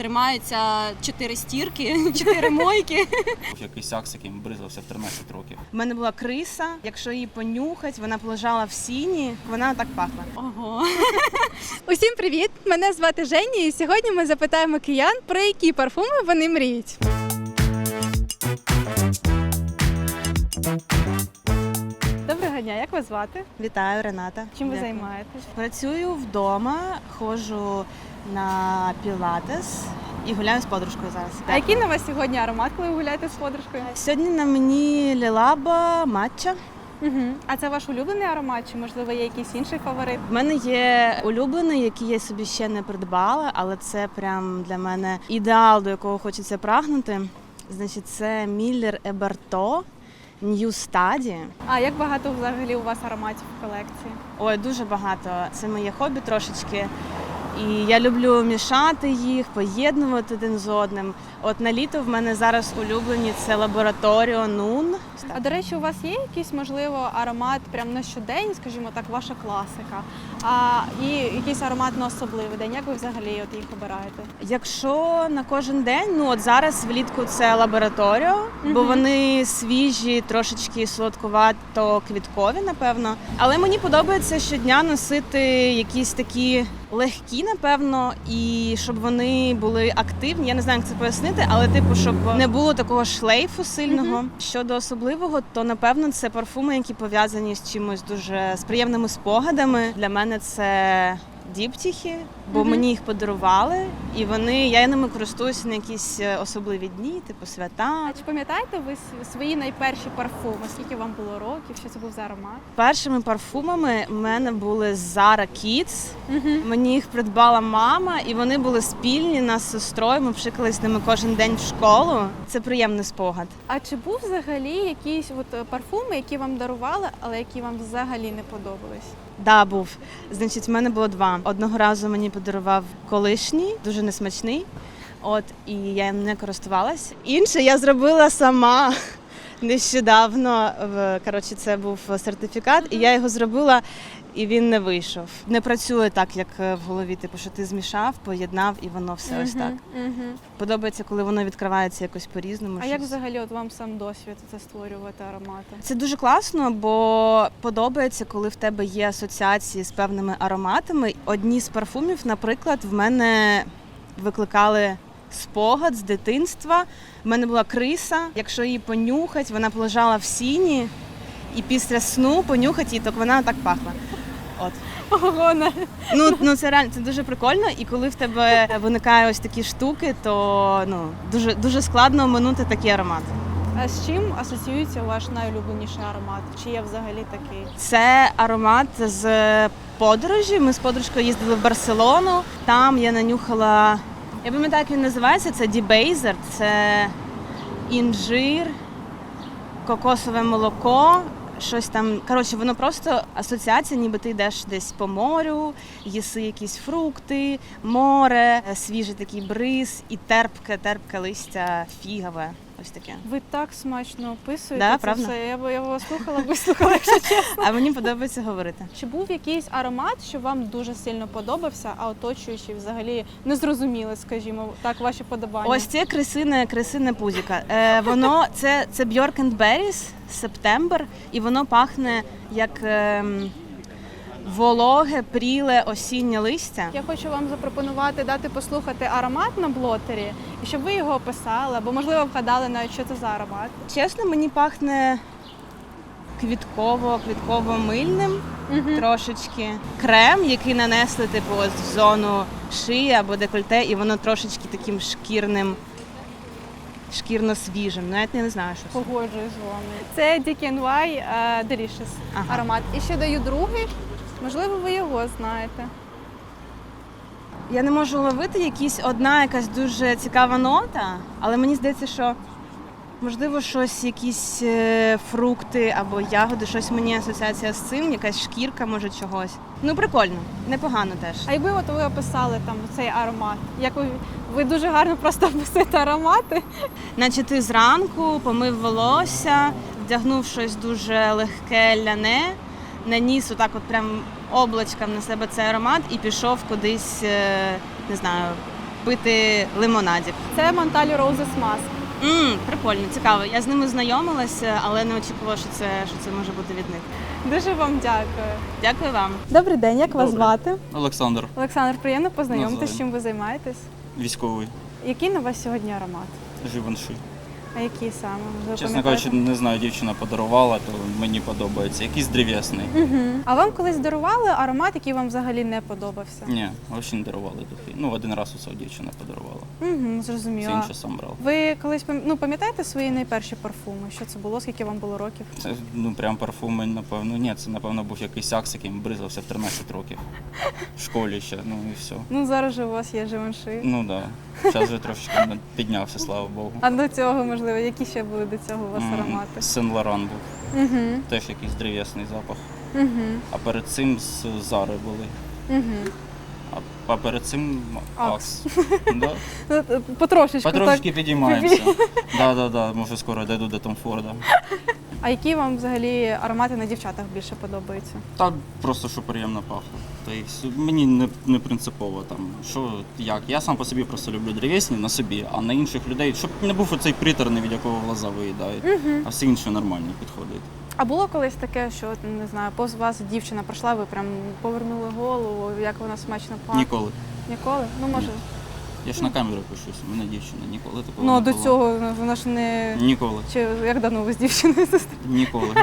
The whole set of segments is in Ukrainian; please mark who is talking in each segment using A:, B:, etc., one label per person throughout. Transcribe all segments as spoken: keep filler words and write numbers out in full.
A: тримаються чотири стірки, чотири мойки.
B: Якийсь акс, яким бризався в тринадцять років.
C: У мене була криса, якщо її понюхать, вона полежала в сіні, вона так пахла.
A: Ого.
D: Усім привіт! Мене звати Женя, і сьогодні ми запитаємо киян, про які парфуми вони мріють. Доброго дня, як вас звати?
C: Вітаю, Рената.
D: Чим ви
C: Дякую.
D: займаєтесь?
C: Працюю вдома, ходжу на пілатес і гуляю з подружкою зараз.
D: А який на вас сьогодні аромат, коли ви гуляєте з подружкою?
C: Сьогодні на мені лілаба матча.
D: Угу. А це ваш улюблений аромат, чи можливо є якийсь інший фаворит?
C: В мене є улюблений, який я собі ще не придбала, але це прям для мене ідеал, до якого хочеться прагнути. Значить, це Міллер Еберто New Study.
D: А як багато взагалі у вас ароматів в колекції?
C: Ой, дуже багато. Це моє хобі трошечки. І я люблю мішати їх, поєднувати один з одним. От на літо в мене зараз улюблені це Лабораторіо Нун.
D: А до речі, у вас є якийсь, можливо, аромат прямо на щодень, скажімо так, ваша класика, а і якийсь аромат на особливий день? Як ви взагалі от їх обираєте?
C: Якщо на кожен день, ну от зараз влітку це Лабораторіо, бо
D: Мгм.
C: вони свіжі, трошечки солодкувато-квіткові, напевно. Але мені подобається щодня носити якісь такі легкі, напевно, і щоб вони були активні. Я не знаю, як це пояснити, але типу, щоб не було такого шлейфу сильного.
D: Мгм.
C: Щодо особливого, то напевно це парфуми, які пов'язані з чимось дуже з приємними спогадами. Для мене це діптіхи, бо
D: Мгм.
C: мені їх подарували, і вони я ними користуюся на якісь особливі дні, типу свята.
D: А чи пам'ятаєте ви с- свої найперші парфуми? Скільки вам було років? Що це був за аромат?
C: Першими парфумами в мене були Zara Kids.
D: Угу.
C: Мені їх придбала мама, і вони були спільні нас з сестрою. Ми пшикались ними кожен день в школу. Це приємний спогад.
D: А чи був взагалі якісь от е, парфуми, які вам дарували, але які вам взагалі не подобались?
C: Да, був. Значить, в мене було два. Одного разу мені подарував колишній, дуже несмачний. От, і я їм не користувалась. Інше я зробила сама нещодавно. В- Коротше, це був сертифікат, і я його зробила, і він не вийшов. Не працює так, як в голові, типу, що ти змішав, поєднав, і воно все ось так.
D: Угу.
C: Подобається, коли воно відкривається якось по-різному.
D: А як
C: щось.
D: взагалі от вам сам досвід це створювати аромати?
C: Це дуже класно, бо подобається, коли в тебе є асоціації з певними ароматами. Одні з парфумів, наприклад, в мене викликали спогад з дитинства. В мене була криса. Якщо її понюхать, вона полежала в сіні, і після сну понюхать її, то вона так пахла. От.
D: Ого, не.
C: Ну, ну це реально це дуже прикольно. І коли в тебе виникають ось такі штуки, то ну дуже дуже складно оминути такий аромат.
D: А з чим асоціюється ваш найулюбленіший аромат? Чи є взагалі такий?
C: Це аромат з подорожі. Ми з подружкою їздили в Барселону. Там я нанюхала, я пам'ятаю, як він називається, це Дібейзер, це інжир, кокосове молоко, щось там. Коротше, воно просто асоціація, ніби ти йдеш десь по морю, їси якісь фрукти, море, свіжий такий бриз і терпке, терпке листя фігове. Ось таке.
D: Ви так смачно описуєте
C: Да,
D: це
C: правда?
D: все. Я, б- я б вас слухала, вислухала, якщо чесно.
C: А мені подобається говорити.
D: Чи був якийсь аромат, що вам дуже сильно подобався, а оточуючі взагалі не зрозуміли, скажімо, так, ваші подобання?
C: Ось це крисине, крисине пузіка. Е, воно це, це Bjork and Berries, Септембр, і воно пахне як ем, вологе, пріле осіннє листя.
D: Я хочу вам запропонувати дати послухати аромат на блотері, і щоб ви його описали, або, можливо, вгадали навіть, що це за аромат.
C: Чесно, мені пахне квітково, квітково-мильним
D: Угу.
C: трошечки. Крем, який нанесли типу ось в зону шиї або декольте, і воно трошечки таким шкірним, шкірно-свіжим. Навіть не знаю, що це.
D: Погоджуюсь з вами. Це ді кей ен вай е, Delicious
C: Ага.
D: аромат. І ще даю другий, можливо, ви його знаєте.
C: Я не можу ловити якісь одна якась дуже цікава нота, але мені здається, що можливо щось, якісь е, фрукти або ягоди, щось мені асоціація з цим, якась шкірка, може чогось. Ну прикольно, непогано теж.
D: А якби от ви описали там цей аромат, як ви, ви дуже гарно просто описуєте аромати.
C: Наче ти зранку помив волосся, вдягнув щось дуже легке ляне, наніс отак от прям облачком на себе цей аромат і пішов кудись, е, не знаю, попити лимонадів.
D: Це Монталь Roses Mask.
C: Мм, прикольно, цікаво. Я з ними знайомилася, але не очікувала, що це, що це може бути від них.
D: Дуже вам дякую.
C: Дякую вам.
D: Добрий день, як вас
B: Добрий.
D: звати?
B: Олександр,
D: Олександр, приємно познайомитися,
B: Навзаєм.
D: чим ви займаєтесь.
B: військовий,
D: Який на вас сьогодні аромат?
B: Живанши.
D: А який саме? Ви
B: Чесно
D: пам'ятаєте?
B: кажучи, не знаю, дівчина подарувала, то мені подобається. Якийсь древ'ясний.
D: Угу. А вам колись дарували аромат, який вам взагалі не подобався?
B: Ні, взагалі не дарували духи. Ну, один раз усе дівчина подарувала.
D: Угу,
B: Все
D: зрозуміло.
B: інше сам брав.
D: Ви колись пам- ну, пам'ятаєте свої найперші парфуми? Що це було? Скільки вам було років?
B: Це ну прям парфуми, напевно. Ні, це напевно був якийсь акс, яким бризався в тринадцять років. В школі ще, ну і все.
D: Ну зараз же у вас є Живанши.
B: Ну так. Да. Зараз вже трошечки піднявся, слава Богу.
D: А до цього, можливо, які ще були до цього у вас аромати?
B: Сен Лоран був.
D: Угу.
B: Теж якийсь древ'ясний запах.
D: Угу.
B: А перед цим з Зари були.
D: Угу.
B: А, а перед цим
D: Акс.
B: Акс. Да?
D: Ну, потрошечку,
B: Потрошки
D: так.
B: підіймаємося. Так, так, так, може скоро дійду до Том Форда.
D: А які вам взагалі аромати на дівчатах більше подобаються?
B: Та просто що приємно пахло. Та і все. Мені не, не принципово там, що як. Я сам по собі просто люблю древесні на собі, а на інших людей, щоб не був оцей приторний, від якого глаза виїдають,
D: Угу.
B: а все інше нормально підходить.
D: А було колись таке, що от, не знаю, повз вас дівчина пройшла, ви прям повернули голову, як вона смачно пахне?
B: Ніколи.
D: Ніколи? Ну може.
B: Я ж на камеру пишусь, у мене дівчина, ніколи такого
D: Ну
B: не
D: до
B: було.
D: цього вона ж не.
B: Ніколи.
D: Чи як давно ви з дівчиною зустрілися?
B: Ніколи.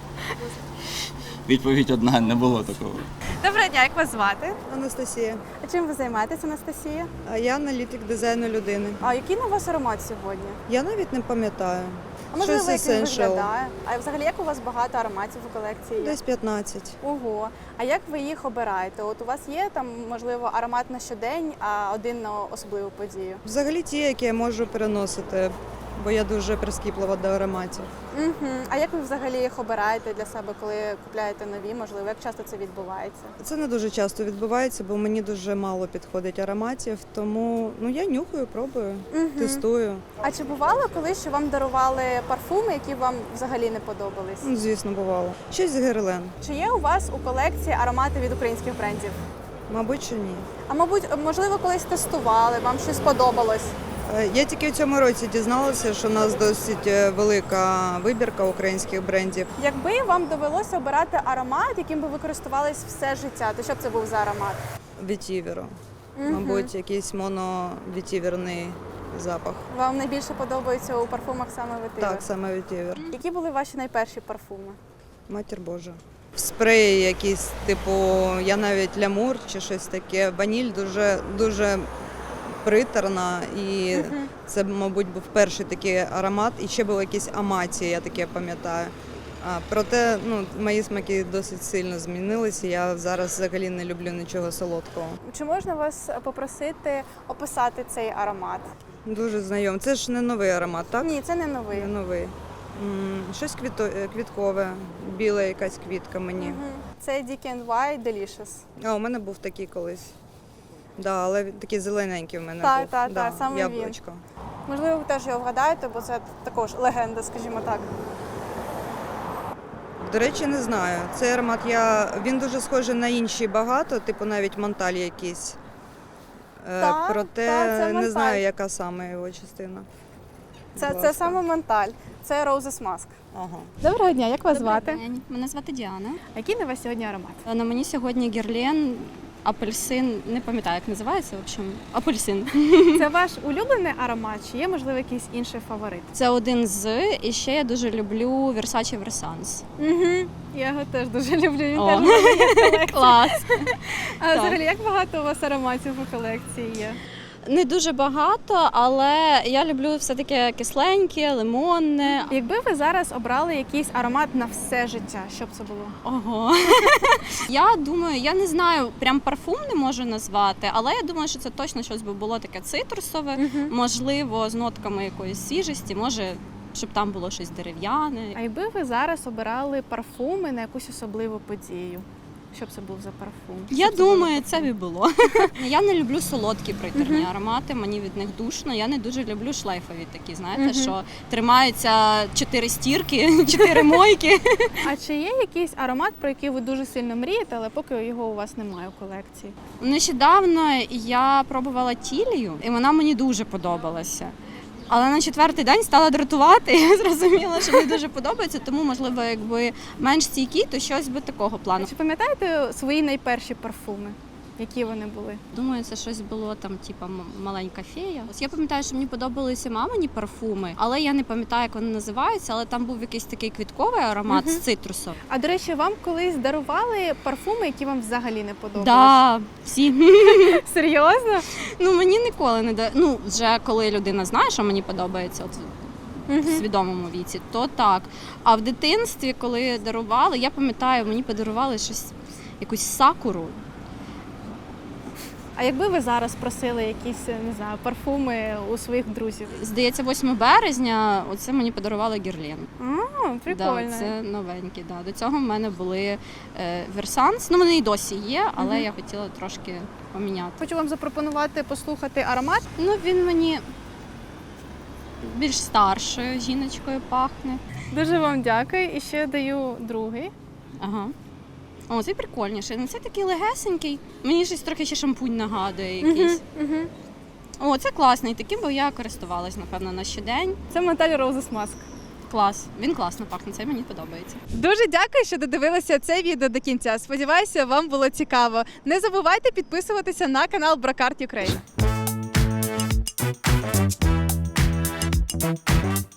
B: Відповідь одна, не було такого.
D: Доброго дня, як вас звати?
E: Анастасія.
D: А чим ви займаєтесь, Анастасія?
E: А я аналітик дизайну людини.
D: А який на вас аромат сьогодні?
E: Я навіть не пам'ятаю.
D: А можливо,
E: Щось
D: як він
E: Essential.
D: виглядає? А взагалі як у вас багато ароматів у колекції є?
E: Десь п'ятнадцять.
D: Ого. А як ви їх обираєте? От у вас є там, можливо, аромат на щодень, а один на особливу подію?
E: Взагалі ті, які я можу переносити, бо я дуже прискіплива до ароматів.
D: Угу. А як ви взагалі їх обираєте для себе, коли купляєте нові? Можливо, як часто це відбувається?
E: Це не дуже часто відбувається, бо мені дуже мало підходить ароматів, тому ну я нюхаю, пробую,
D: Угу.
E: тестую.
D: А чи бувало колись, що вам дарували парфуми, які вам взагалі не подобались?
E: Ну, звісно, бувало. Щось з Герлен.
D: Чи є у вас у колекції аромати від українських брендів?
E: Мабуть, що ні.
D: А мабуть, можливо, колись тестували, вам щось сподобалось?
E: Е, Я тільки в цьому році дізналася, що у нас досить е, велика вибірка українських брендів.
D: Якби вам довелося обирати аромат, яким би ви користувались все життя, то що б це був за аромат?
E: Вітіверу.
D: Мгм.
E: Мабуть, якийсь моновітіверний запах.
D: Вам найбільше подобається у парфумах саме ветивер?
E: Так, саме вітівер.
D: Які були ваші найперші парфуми?
E: Матір Божа. Спреї якісь, типу, я навіть лямур чи щось таке. Ваніль дуже дуже приторна, і
D: Мгм.
E: це, мабуть, був перший такий аромат. І ще був якийсь аматі, я таке пам'ятаю. А, проте ну, мої смаки досить сильно змінилися. Я зараз взагалі не люблю нічого солодкого.
D: Чи можна вас попросити описати цей аромат?
E: Дуже знайомий. Це ж не новий аромат, так?
D: Ні, це не новий.
E: Не новий. М, Щось квіто... е, квіткове, біла якась квітка мені.
D: Мгм. Це Ді Кей ен Вай Delicious.
E: А, у мене був такий колись. Да, але він такий зелененький в мене
D: Так,
E: був.
D: так,
E: да,
D: так, саме він.
E: яблучко.
D: Можливо, ви теж його вгадаєте, бо це також легенда, скажімо так.
E: До речі, не знаю. Цей аромат я. Він дуже схожий на інші багато, типу навіть Монталь якийсь. Е,
D: Так,
E: Проте
D: так, це
E: не
D: Монталь.
E: знаю, яка саме його частина.
D: Це,
E: Будь
D: це
E: ласка.
D: саме Монталь, це Roses Mask.
E: Ага.
D: Доброго дня, як вас
A: Добрий
D: звати?
A: день. Мене звати Діана.
D: А який на вас сьогодні аромат?
A: На мені сьогодні герлен, апельсин, не пам'ятаю, як називається, в общем, апельсин.
D: Це ваш улюблений аромат, чи є, можливо, якийсь інший фаворит?
A: Це один з, і ще я дуже люблю Versace Versans.
D: Угу. Я його теж дуже люблю, він
A: О.
D: теж в мене є в колекції.
A: Клас!
D: А взагалі, як багато у вас ароматів у колекції є?
A: Не дуже багато, але я люблю все таке кисленьке, лимонне.
D: Якби ви зараз обрали якийсь аромат на все життя, що б це було?
A: Ого. Я думаю, я не знаю, прям парфум не можу назвати, але я думаю, що це точно щось би було таке цитрусове, можливо, з нотками якоїсь свіжості, може, щоб там було щось дерев'яне.
D: А якби ви зараз обирали парфуми на якусь особливу подію, Що б це був за парфум?
A: Я
D: Що б це був за
A: думаю,
D: парфум?
A: це б і було. Я не люблю солодкі приторні аромати, мені від них душно. Я не дуже люблю шлейфові такі, знаєте,
D: Мгм.
A: що тримаються чотири стірки, чотири мойки.
D: А чи є якийсь аромат, про який ви дуже сильно мрієте, але поки його у вас немає у колекції?
A: Нещодавно я пробувала тілію, і вона мені дуже подобалася. Але на четвертий день стала дратувати, і я зрозуміла, що мені дуже подобається, тому, можливо, якби менш стійкі, то щось би такого плану.
D: Чи пам'ятаєте свої найперші парфуми? Які вони були?
A: Думаю, це щось було там, типа м- маленька фея. Ось я пам'ятаю, що мені подобалися мамині парфуми, але я не пам'ятаю, як вони називаються. Але там був якийсь такий квітковий аромат
D: Мгм.
A: з цитрусом.
D: А до речі, вам колись дарували парфуми, які вам взагалі не подобались?
A: Да, всі.
D: Серйозно?
A: Ну мені ніколи не да. Ну вже коли людина знає, що мені подобається, от в свідомому віці, то так. А в дитинстві, коли дарували, я пам'ятаю, мені подарували щось, якусь сакуру.
D: А якби ви зараз просили якісь, не знаю, парфуми у своїх друзів?
A: Здається, восьмого березня оце мені подарували Герлен.
D: А, прикольно.
A: Да, це новенькі. Да. До цього в мене були е, Версанс. Ну, вони і досі є, але
D: Мгм.
A: я хотіла трошки поміняти.
D: Хочу вам запропонувати послухати аромат.
A: Ну, він мені більш старшою жіночкою пахне.
D: Дуже вам дякую. І ще даю другий.
A: Ага. О, цей прикольніший. Ну, це такий легесенький. Мені щось трохи ще шампунь нагадує якийсь.
D: Угу.
A: О, це класний. Таким би я користувалась, напевно, на щодень.
D: Це Montale Roses Mask.
A: Клас. Він класно пахне, це мені подобається.
D: Дуже дякую, що додивилися це відео до кінця. Сподіваюся, вам було цікаво. Не забувайте підписуватися на канал Brocart Ukraine.